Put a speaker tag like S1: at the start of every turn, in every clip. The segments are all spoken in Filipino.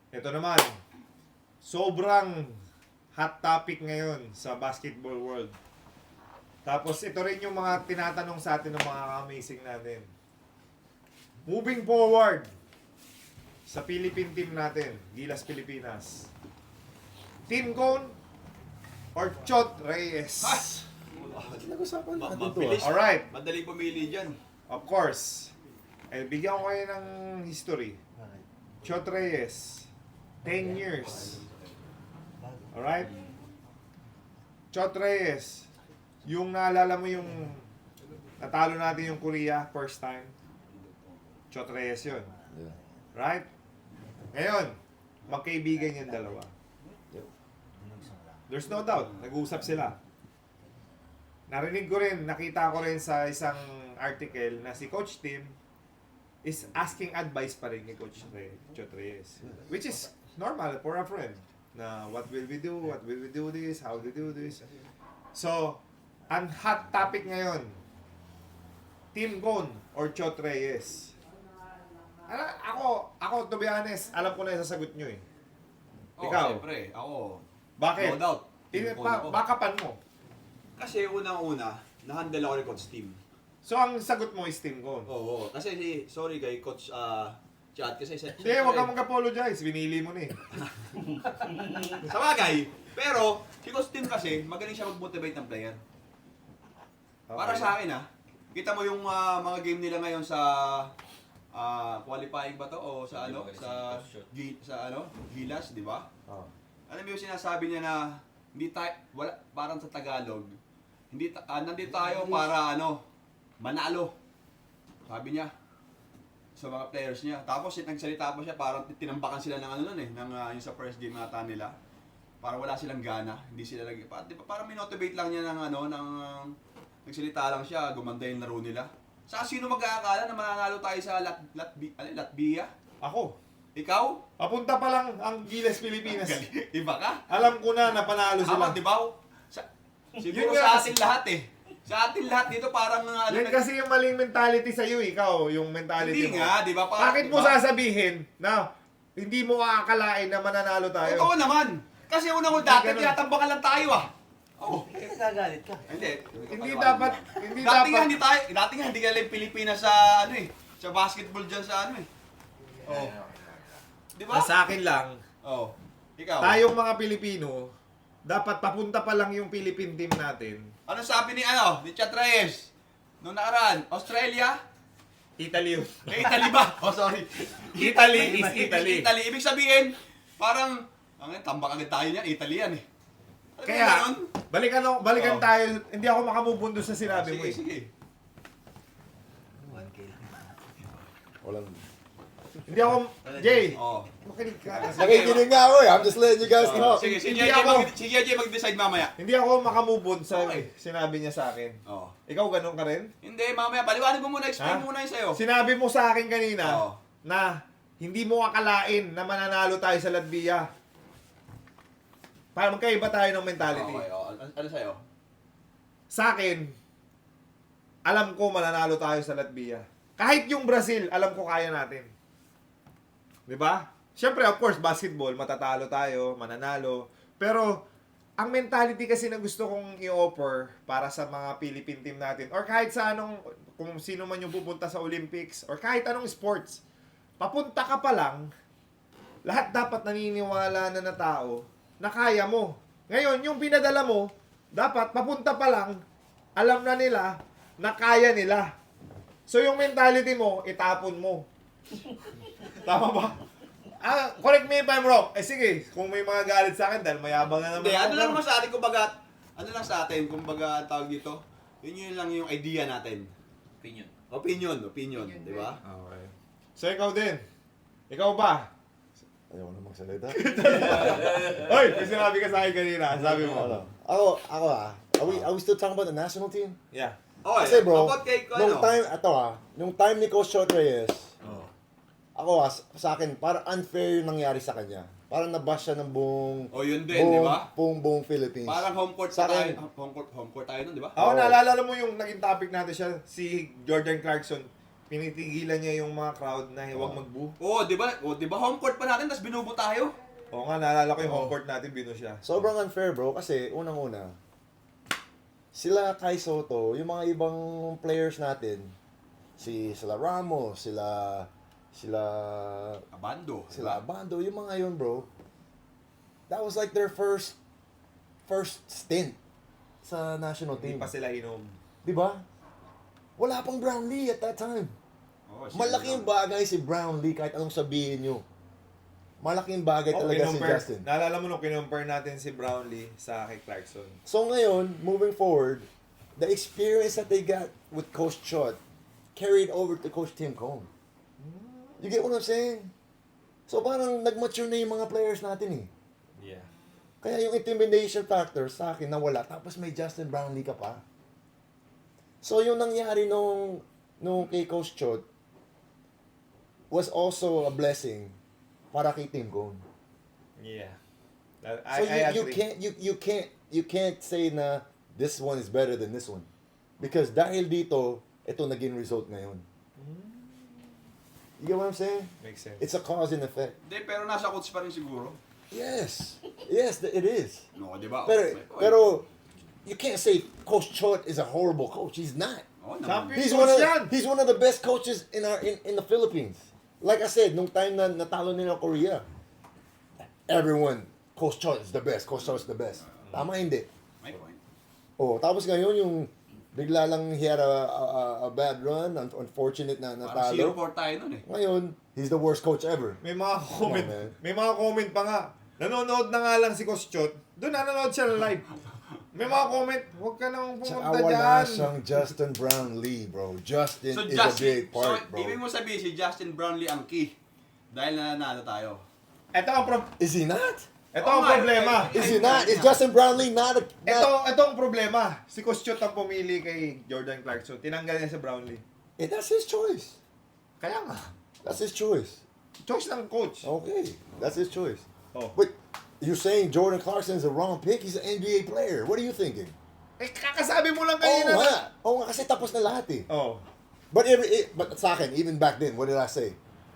S1: Ito naman, sobrang hot topic ngayon sa basketball world. Tapos ito rin yung mga tinatanong sa atin ng mga amazing natin. Moving forward sa Philippine team natin, Gilas Pilipinas. Team Cone or Chot Reyes?
S2: Nag-usapan natin to.
S3: Mabilis.
S1: Alright,
S3: Madali pumili dyan.
S1: of course. Bigyan ko kayo ng history. Chot Reyes, 10 years. Alright? Chot Reyes, yung naalala mo yung natalo natin yung Korea first time. Chot Reyes yun.
S2: Yeah.
S1: Right? Ngayon, magkaibigan yung dalawa. There's no doubt, nag-uusap sila. Narinig ko rin, nakita ko rin sa isang article na si Coach Tim is asking advice pa rin ni Coach Chot Reyes. Which is normal for a friend. Na what will we do? What will we do this? How we do this? So, ang hot topic ngayon, Team Cone or Chot Reyes? Ako, to be honest, alam ko na yung sasagot nyo eh. Ikaw?
S3: Siyempre, ako.
S1: Bakit?
S3: No doubt.
S1: Bakapan mo.
S3: Kasi unang-una, na-handle ako ni Coach Tim.
S1: So, ang sagot mo is Team Cone.
S3: Oo. Kasi sorry kay Coach Chad kasi
S1: Hindi, huwag kang mag-apologize. Binili mo na eh.
S3: sa bagay. Pero, si Coach Tim kasi, magaling siya mag-motivate ng player. Para sa akin kita mo yung mga game nila ngayon sa qualifying ba to o sa ano sa Gilas, di ba?
S1: Oh.
S3: Alam mo yung sinasabi niya na hindi tayo wala parang sa Tagalog. Nandito tayo para manalo. Sabi niya sa mga players niya. Tapos nagsalita pa siya parang tinambakan sila ng yung sa first game nata nila. Parang wala silang gana, hindi sila parang minotivate lang niya ng nagsalita lang siya, gumanda yung laro nila. Sa sino mag-aakala na mananalo tayo sa Latvia?
S1: Ako.
S3: Ikaw?
S1: Papunta pa lang ang Gilas Pilipinas.
S3: Iba ka?
S1: Alam ko na panalo sila.
S3: Di ba? Siguro
S1: Yun nga
S3: sa
S1: kasi-
S3: atin lahat Sa atin lahat dito parang
S1: Yan kasi yung maling mentality sa'yo, ikaw, yung mentality
S3: hindi
S1: mo.
S3: nga, di ba?
S1: Bakit mo sasabihin na hindi mo aakalain na mananalo tayo?
S3: Totoo naman. Kasi unang dati,
S1: ganun.
S3: tinatambakan lang tayo Oo.
S4: Nagagalit ka.
S3: Hindi.
S1: Hindi dapat,
S3: Dati nga hindi ka lang Pilipinas sa sa basketball dyan sa Oh. Di ba?
S1: Sa akin lang,
S3: Oh. Ikaw.
S1: tayong mga Pilipino, dapat papunta pa lang yung Philippine team natin.
S3: Ano sabi ni Chat Reyes? Noong nakaraan, Australia?
S1: Italy yun.
S3: Italy ba? Oh, sorry.
S1: Italy is Italy.
S3: Italy. Ibig sabihin, parang, tambak agad tayo niyan, Italy yan Alam mo
S1: Kaya,
S3: yun?
S1: balikan
S3: Oo.
S1: tayo. Hindi ako makamubundo sa sinabi mo
S3: Sige,
S1: eh.
S3: sige.
S4: 1K lang.
S2: Walang...
S1: Hindi ako, Jay,
S3: Oh.
S1: makinig ka.
S2: Nakikinig nga ako eh. I'm just letting you guys know.
S3: Sige, si
S1: Hindi
S3: JJ
S1: ako.
S3: si JJ mag-decide mamaya.
S1: Hindi ako makamubon sa
S3: Okay.
S1: sinabi niya sa akin.
S3: Oh.
S1: Ikaw ganun ka rin?
S3: Hindi, mamaya. Paliwanag mo muna, explain
S1: Ha?
S3: mo muna yun sa'yo.
S1: Sinabi mo sa akin kanina
S3: Oo.
S1: na hindi mo akalain na mananalo tayo sa Latvia. Para magkaiba tayo ng mentality.
S3: Okay, ano sa'yo?
S1: Sa akin, alam ko mananalo tayo sa Latvia. Kahit yung Brazil, alam ko kaya natin. 'Di ba? Siyempre, of course, basketball, matatalo tayo, mananalo. Pero, ang mentality kasi na gusto kong i-offer para sa mga Philippine team natin, or kahit sa kung sino man yung pupunta sa Olympics, or kahit anong sports, papunta ka pa lang, lahat dapat naniniwala na tao na kaya mo. Ngayon, yung pinadala mo, dapat papunta pa lang, alam na nila na kaya nila. So, yung mentality mo, itapon mo. Tama ba? Correct me if I'm wrong. Sige, kung may mga galit sa akin dahil mayabang na naman.
S3: Hindi,
S1: ako,
S3: ano lang
S1: pero-
S3: naman sa atin, kumbaga, tawag dito, yun lang yung idea natin. Opinion, di ba?
S1: Okay. So, ikaw din. Ikaw ba?
S2: Ayaw ko na magsalita.
S1: Hoy, may sinabi ka sa akin kanina. Sabi mo.
S2: Ano? Ako Are we still talking about the national team?
S1: Yeah.
S3: Okay,
S2: Kasi bro,
S3: about kay,
S2: nung time ni Coach Chot Reyes,
S3: Oh.
S2: ako sa akin, parang unfair yung nangyari sa kanya. Parang nabash siya ng buong,
S3: Oh, yun din, di ba?
S2: buong Philippines.
S3: Parang home court
S2: Sa
S3: tayo.
S2: akin-
S3: Home court tayo nun, di ba?
S1: Ako,
S2: Oo.
S1: naalala mo yung naging topic natin siya, si Jordan Clarkson. pinitigilan niya yung mga crowd na huwag mag-boo.
S3: Oo, di ba? Home court pa natin, tapos binubo tayo.
S1: Oo nga, naalala ko yung home court natin, bino siya.
S2: Sobrang unfair, bro, kasi unang-una, sila Kai Soto, yung mga ibang players natin, sila Ramos, sila
S3: Abando.
S2: Abando, yung mga yun, bro. That was like their first stint sa national
S1: Hindi
S2: team.
S1: pa sila inom.
S2: Di ba? Wala pang Brownlee at that time.
S3: Oo,
S2: Malaking bagay si Brownlee kahit anong sabihin nyo. Malaking bagay
S1: Oh,
S2: talaga si Justin.
S1: Naalala mo nung kinumpare natin si Brownlee sa kay Clarkson.
S2: So ngayon, moving forward, the experience that they got with Coach Chot carried over to Coach Tim Cone. You get what I'm saying? So parang nag-mature na yung mga players natin eh.
S1: Yeah.
S2: Kaya yung intimidation factor sa akin nawala. Tapos may Justin Brownlee ka pa. So yung nangyari nung kay Coach Chot was also a blessing para kay Tim Cone.
S1: Yeah.
S2: So you can't say na this one is better than this one. Because dahil dito, ito naging result ngayon. You get what I'm saying?
S1: Makes sense.
S2: It's a cause and effect.
S3: Hindi, pero nasa coach pa rin siguro.
S2: Yes. Yes, it is.
S3: No, di ba?
S2: Pero you can't say Coach Chot is a horrible coach. He's not.
S3: Oo
S1: Champion.
S3: naman.
S2: He's one of the best coaches in the Philippines. Like I said, nung time na natalo nila Korea, everyone, Coach Chot is the best. Coach Chot is the best. Tama hindi.
S3: May point.
S2: Oh, tapos ngayon yung bigla lang he had a bad run, unfortunate na
S3: Parang
S2: natalo.
S3: 0-4 tayo nun eh.
S2: Ngayon, he's the worst coach ever.
S1: May mga comment.
S2: man.
S1: May mga comment pa nga. Nanonood na nga lang si Coach Chot. Doon nanonood siya live. May mga comment. Huwag ka nang
S2: Tsaka
S1: pumunta
S2: wala
S1: dyan.
S2: siyang Justin Brownlee, bro. Justin
S3: So,
S2: is a big part,
S3: so
S2: bro.
S3: ibig mo sabihin si Justin Brownlee ang key. Dahil nananalo tayo.
S1: Ito ang
S2: Is he not?
S1: ito
S3: Oo
S1: ang
S3: nga,
S1: problema.
S2: Is he not? Is Justin Brownlee not?
S1: Ito ang problema. Si Coach Chot ang pumili kay Jordan Clarkson. Tinanggal niya si Brownlee.
S2: That's his choice.
S1: Kaya nga.
S2: That's his choice.
S1: Choice ng coach.
S2: Okay, that's his choice.
S1: Oh.
S2: But you're saying Jordan Clarkson is a wrong pick? He's an NBA player. What are you thinking?
S1: Eh, kakasabi mo lang
S2: Oo
S1: kanina.
S2: nga. Oo nga, kasi tapos na lahat eh.
S1: Oh.
S2: But sa akin, even back then, what did I say?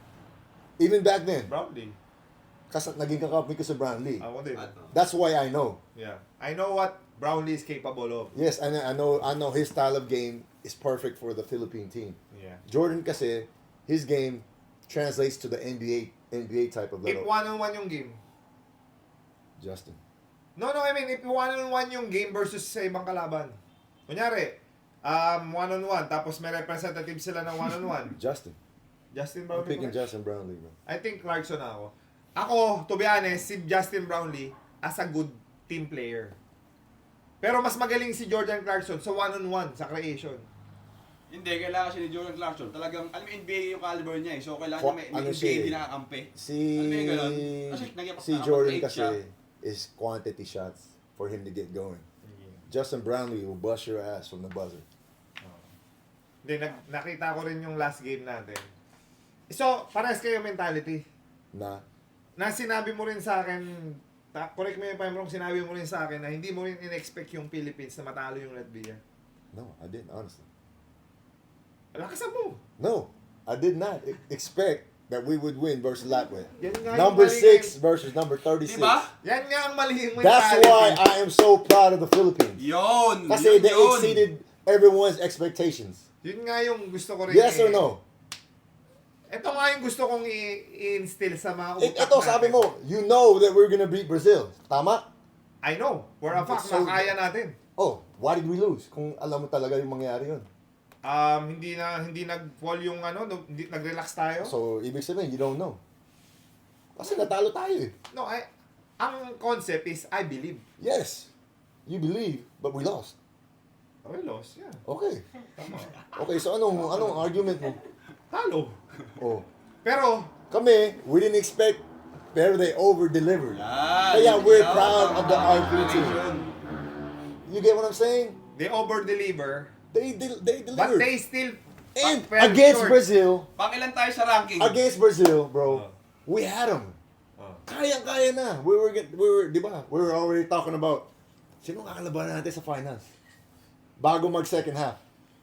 S2: Even back then,
S1: Brownlee.
S2: kasi naging kakapit ko sa Brownlee.
S1: Ako din.
S2: That's why I know.
S1: Yeah. I know what Brownlee is capable of.
S2: Yes, and I know his style of game is perfect for the Philippine team.
S1: Yeah.
S2: Jordan kasi, his game translates to the NBA type of
S1: If
S2: level.
S1: one-on-one yung game.
S2: Justin.
S1: No, I mean, if one-on-one yung game versus sa ibang kalaban. Kunyari, one-on-one, tapos may representative sila ng one-on-one.
S2: Justin.
S1: Justin
S2: I'm
S1: Brownlee.
S2: picking
S1: ba?
S2: Justin Brownlee, bro.
S1: I think Clarkson ako. Ako, to be honest, si Justin Brownlee as a good team player. Pero mas magaling si Jordan Clarkson sa one-on-one, sa creation.
S3: Hindi, kailangan siya ni Jordan Clarkson. Talagang, alam mo, NBA yung caliber niya eh. So, kailangan niya may
S2: Ano
S3: NBA
S2: siya eh?
S3: din nakakampi.
S2: Si
S3: Alam mo yung ganun? Kasi
S2: si Jordan
S3: nakapag-8
S2: kasi
S3: siya.
S2: is quantity shots for him to get going. Justin Brownlee will bust your ass from the buzzer.
S1: Hindi, nakita ko rin yung last game natin. So, parehas kayo mentality.
S2: Na
S1: Na sinabi mo rin sa akin, correct me if I'm wrong, sinabi mo rin sa akin na hindi mo rin in-expect yung Philippines na matalo yung Latvia.
S2: no, I didn't honestly.
S1: Lakasan mo.
S2: No, I did not expect that we would win versus Latvia.
S1: Yan nga yung
S2: Number
S1: mali
S2: 6 versus number 36.
S3: Diba?
S1: Yan nga ang mali yung
S2: That's
S1: mentality.
S2: why I am so proud of the Philippines.
S3: Yun!
S2: Kasi
S3: yun,
S2: they
S3: yun.
S2: exceeded everyone's expectations.
S1: Yun nga yung gusto ko rin.
S2: Yes or no?
S1: Ito nga yung gusto kong i-instill sa mga utak
S2: Ito, sabi mo, you know that we're gonna beat Brazil. Tama?
S1: I know. For a fact,
S2: So-
S1: na kaya natin.
S2: Oh, why did we lose? Kung alam mo talaga yung mangyari yun.
S1: Hindi nag-fall yung hindi nag-relax tayo.
S2: So, ibig sabihin, you don't know. Kasi natalo tayo eh.
S1: No, ang concept is I believe.
S2: Yes, you believe, but we lost.
S1: Okay, lost. Yeah.
S2: Okay.
S1: Tama.
S2: Okay, so anong argument mo?
S1: Talo.
S2: Oh,
S1: Pero,
S2: kami, we didn't expect, pero they over-delivered.
S3: Yan,
S2: Kaya
S3: yun,
S2: we're
S3: yun.
S2: proud of the
S3: Tama,
S2: RP team.
S3: yun.
S2: You get what I'm saying?
S1: they over-deliver.
S2: They
S1: But
S2: delivered.
S1: they still
S2: And
S1: fell
S2: against
S1: short.
S2: Brazil,
S3: Pangilan tayo sa ranking.
S2: bro, we had them. Kaya na. We were, di ba? We were already talking about, sino kakalabanan natin sa finals? Bago mag second half.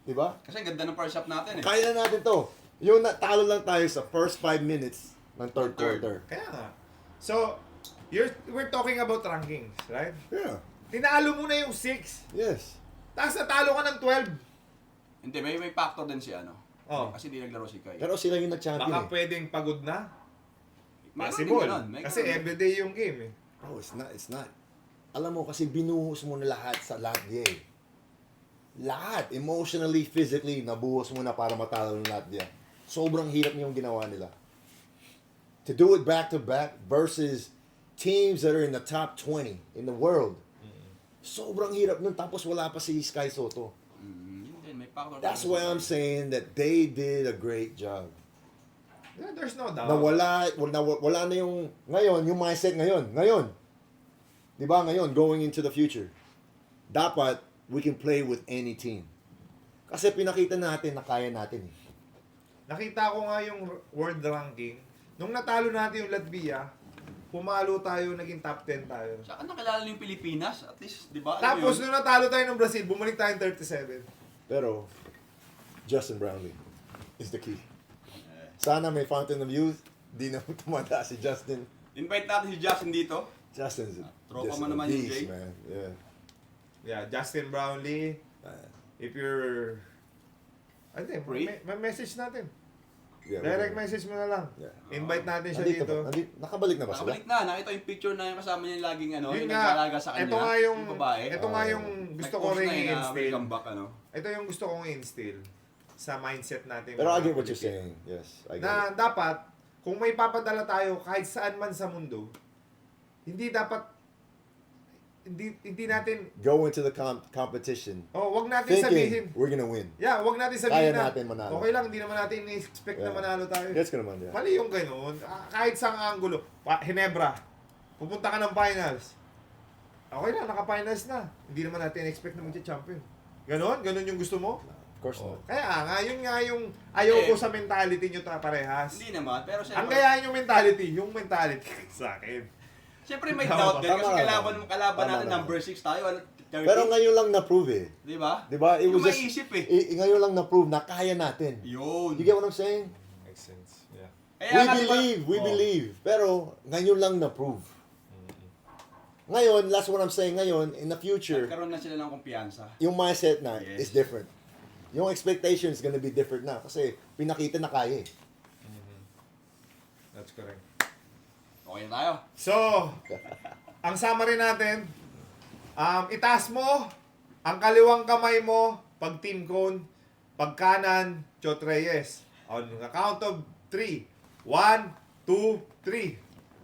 S2: Di ba?
S3: Kasi ang ganda ng first half natin eh.
S2: Kaya na natin to. Yung talo lang tayo sa first 5 minutes ng third
S3: Third.
S2: quarter.
S1: Kaya nga. So, we're talking about rankings, right?
S2: Yeah.
S1: Tinalo mo na yung 6.
S2: Yes.
S1: Tapos natalo ka ng 12.
S3: Hindi, may factor din si ano.
S1: Oh.
S3: Kasi di naglaro si Kai.
S2: Pero sila yung nag-champion
S1: Baka
S2: eh.
S1: pwedeng pagod na.
S3: Mayroon din
S1: Possible.
S3: ganun, may
S1: Kasi
S3: ganun.
S1: everyday yung game eh.
S2: Oh, it's not. It's not. Alam mo, kasi binuhos mo na lahat sa Latvia eh. Lahat. Emotionally, physically, nabuhos mo na para matalo ng Latvia. Sobrang hirap yung ginawa nila. To do it back-to-back versus teams that are in the top 20 in the world. Sobrang hirap nun. Tapos wala pa si Sky Soto.
S3: Hindi, may factor.
S2: That's
S3: din
S2: why
S3: si
S2: I'm
S3: Kai.
S2: saying that they did a great job.
S1: Yeah, there's no doubt.
S2: Na wala na yung, ngayon, yung mindset ngayon. Di ba ngayon, going into the future. Dapat, we can play with any team. Kasi pinakita natin na kaya natin eh.
S1: Nakita ko nga yung world ranking. Nung natalo natin yung Latvia, pumalo tayo, naging top 10 tayo.
S3: Saka nakilala yung Pilipinas, at least, di ba?
S1: Tapos nung natalo tayo ng Brazil, bumalik tayo ng 37.
S2: Pero, Justin Brownlee is the key. Sana may fountain of youth. Di na tumanda si Justin.
S3: Invite natin si Justin dito.
S2: Justin's
S3: Tropa
S2: just
S3: mo
S2: a
S3: naman yung
S2: beast,
S3: Jay.
S2: man. Yeah.
S1: Yeah, Justin Brownlee. If you're... Hindi,
S3: Free?
S1: may message natin.
S2: Yeah,
S1: Direct
S2: we're-
S1: message mo na lang.
S2: Yeah.
S1: Invite natin siya
S2: Nandito
S1: dito.
S2: ba? Nakabalik na ba sila?
S3: Nakabalik na, nakita yung picture na yung kasama niya laging ano,
S1: Yun
S3: yung
S1: nga,
S3: nag-aalaga sa kanya.
S1: ito nga yung,
S3: babae.
S1: ito nga yung gusto ko
S3: Nag-post
S1: rin
S3: na yun na
S1: i-instill.
S3: welcome back, ano.
S1: Ito yung gusto kong i-instill sa mindset natin.
S2: Pero I
S1: mga
S2: get what you're
S1: Pilipino.
S2: saying. Yes, I get
S1: Na
S2: it.
S1: dapat, kung may papadala tayo kahit saan man sa mundo, hindi dapat, hindi natin,
S2: Go into the competition
S1: wag natin sabihin,
S2: thinking we're gonna win.
S1: yeah, wag natin sabihin
S2: Kaya
S1: na,
S2: natin manalo.
S1: okay lang, hindi naman natin ni-expect na
S2: Yeah.
S1: manalo tayo.
S2: Gets ko naman, yeah.
S1: Mali yung ganun. Kahit sa angulo. Hinebra, pupunta ka ng finals. Okay lang, naka-finals na. Hindi naman natin expect na magcha-champion. Ganon? Ganon yung gusto mo?
S2: Of course not.
S1: Kaya nga, yun nga yung ayaw ko
S3: Eh,
S1: sa mentality nyo parehas.
S3: Hindi naman, pero
S1: Ang
S3: siyempre,
S1: gayahin yung mentality sa akin.
S3: siyempre may
S1: Tama
S3: doubt
S1: ba?
S3: din kasi
S2: Tama
S3: kalaban
S2: naman.
S3: natin
S2: Tama
S3: number 6 tayo, 30.
S2: Pero ngayon lang na-prove eh.
S3: Di ba?
S2: Di ba? It
S3: Yung
S2: was just,
S3: maiisip eh.
S2: ngayon lang na-prove na kaya natin.
S3: Yun.
S2: You get what I'm saying?
S1: Makes sense. Yeah.
S3: Kaya nga, di ba-
S2: We
S3: Oh.
S2: believe. Pero ngayon lang na-prove. Ngayon, that's what I'm saying ngayon, in the future,
S3: Nagkaroon na sila ng kumpiyansa.
S2: yung mindset na
S3: Yes.
S2: is different. Yung expectation is gonna be different na kasi pinakita na kaya eh.
S1: That's correct.
S3: Okay na tayo.
S1: So, ang summary natin, itaas mo ang kaliwang kamay mo pag team cone, pag kanan, Chot Reyes. On the count of 3. 1, 2, 3.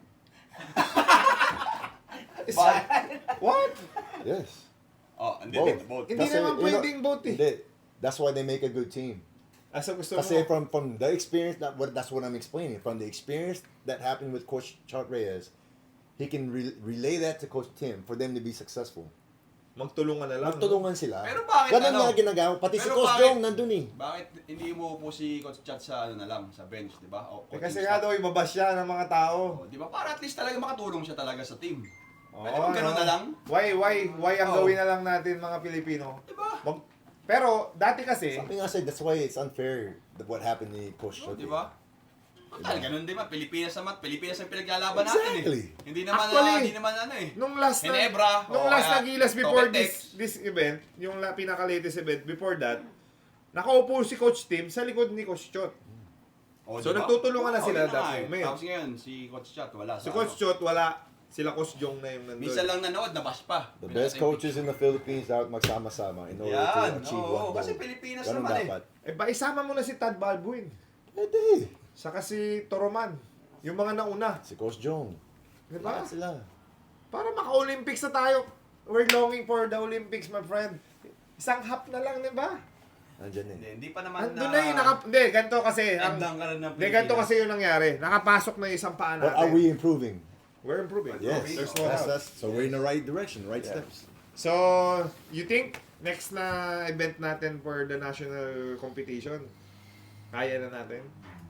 S1: What?
S2: Yes.
S3: Oh, hindi,
S2: Both.
S3: hindi, both.
S1: Hindi naman pwedeng both eh.
S2: Hindi. That's why they make a good team.
S1: Asa gusto
S2: Kasi
S1: mo?
S2: from the experience, that's what I'm explaining. From the experience that happened with Coach Chot Reyes, he can relay that to Coach Tim for them to be successful.
S1: Magtulungan na lang.
S2: Magtulungan sila.
S3: Pero bakit
S2: Ganun
S3: ano?
S2: nga ginagawa. Pati si
S3: Pero
S2: Coach
S3: bakit-
S2: Jong nandun eh.
S3: Bakit hindi mo po si Coach Chat sa ano na lang, sa bench, di ba? O,
S1: Eh,
S3: coaching
S1: kasi
S3: staff.
S1: nga daw, ibabas siya ng mga tao.
S3: Oh, di ba? Para at least talaga makatulong siya talaga sa team.
S1: Oo,
S3: Pwede bang ganun
S1: ano?
S3: na lang?
S1: Why ang
S3: Oo.
S1: gawin na lang natin mga Pilipino?
S3: Di ba?
S1: Pero, dati kasi,
S2: Something I said, that's why it's unfair what happened ni Coach
S3: Oh,
S2: Chot.
S3: di ba? Total, ganun din ba? Pilipinas naman. Pilipinas ang pinaglalaban natin
S2: Exactly.
S3: eh. Hindi naman,
S1: Actually,
S3: hindi naman ano eh.
S1: nung last na,
S3: Ginebra,
S1: nung
S3: o
S1: last
S3: kaya
S1: na Gilas before
S3: Topetex.
S1: this event, yung pinaka-latest event, before that, nakaupo si Coach Tim sa likod ni Coach Chot.
S3: Oh,
S1: So,
S3: di ba?
S1: nagtutulungan na
S3: Oo,
S1: sila
S3: yun
S1: that
S3: nga eh.
S1: moment.
S3: Tapos ngayon, si Coach Chat wala.
S1: Si
S3: sa
S1: Coach
S3: ano.
S1: Chot, wala. Sila Coach Jong na yung nandun.
S3: Minsan lang nanood, nabas pa.
S2: The best coaches in the Philippines dapat magsama-sama in order
S3: Yan,
S2: to achieve
S3: oo,
S2: one goal.
S3: kasi Pilipinas
S2: Ganun
S3: naman eh.
S2: dapat.
S1: Eh, ba, isama mo na si Tad Balbuin.
S2: Pwede.
S1: Saka si Toroman. Yung mga nauna.
S2: Si Coach Jong.
S1: Di ba?
S2: Lahat sila.
S1: Para maka-Olympics na tayo. We're longing for the Olympics, my friend. Isang half na lang, di ba?
S2: Nandyan eh.
S3: Hindi pa naman
S1: Andun na yun. Hindi, ganito kasi.
S3: Andang ka rin ng
S1: Hindi, ganito kasi yung nangyari. Nakapasok na yung isang paa
S2: But
S1: natin.
S2: are we improving?
S1: We're improving.
S2: Yes.
S1: There's no doubt.
S2: So we're in the right direction, right
S1: Yeah.
S2: steps.
S1: So, you think next na event natin for the national competition, kaya na natin?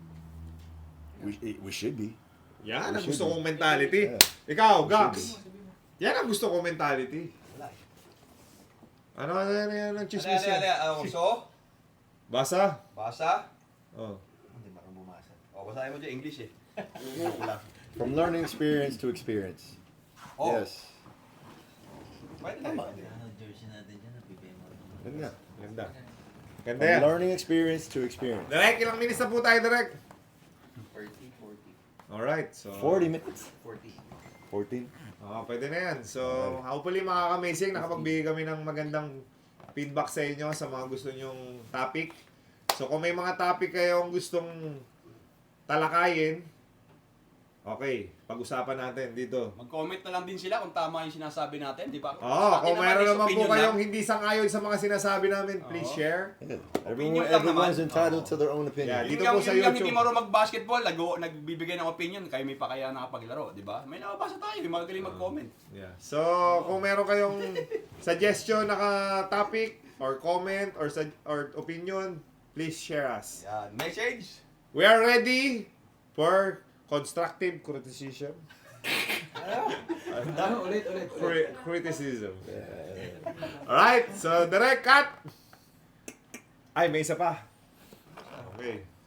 S2: We should be.
S1: Yan ang
S2: We should
S1: gusto
S2: be.
S1: kong mentality.
S2: Yeah.
S1: Ikaw,
S2: We
S1: Gax.
S2: should
S1: Yan ang gusto kong mentality. Ano yan ang chismis yan?
S3: So,
S1: Basa.
S3: Basa.
S1: Oh.
S4: Hindi marunong bumasa.
S3: O, basahin mo dyan English eh.
S2: From learning experience to experience.
S3: Oh.
S2: Yes.
S3: Pwede na.
S4: Ano, jersey natin dyan, napipema.
S2: Ganda.
S1: Ganda. Ganda
S2: From
S1: yan.
S2: learning experience to experience.
S1: Direk, ilang minutes na po tayo, Direk?
S4: 40.
S1: Alright, so...
S2: 40 minutes?
S4: 40.
S2: 14.
S1: Pwede na yan. So, hopefully makaka-amazing. Nakapagbigay kami ng magandang feedback sa inyo sa mga gusto nyong topic. So, kung may mga topic kayong gustong talakayin, okay, pag-usapan natin dito.
S3: Mag-comment na lang din sila kung tama yung sinasabi natin, di ba?
S1: Oo, kung mayroon naman po
S3: opinion
S1: kayong
S3: lang.
S1: hindi sang-ayon sa mga sinasabi namin, please
S3: Oo.
S1: share.
S3: Opinion lang
S2: Everyone's
S3: naman.
S2: entitled
S3: Oo.
S2: to their own opinion.
S1: Yeah, dito
S3: Yung
S1: po sa
S3: yung
S1: YouTube.
S3: hindi marunong mag-basketball, nagbibigay ng opinion, kayo may pa kaya nakapaglaro, di ba? May nakabasa tayo, may magaling mag-comment.
S1: Yeah. So, kung meron kayong suggestion na topic or comment or opinion, please share us.
S3: Yan, message.
S1: We are ready for constructive criticism.
S4: Ulit.
S1: Criticism. Alright, so direct cut! Ay, may isa pa. Okay.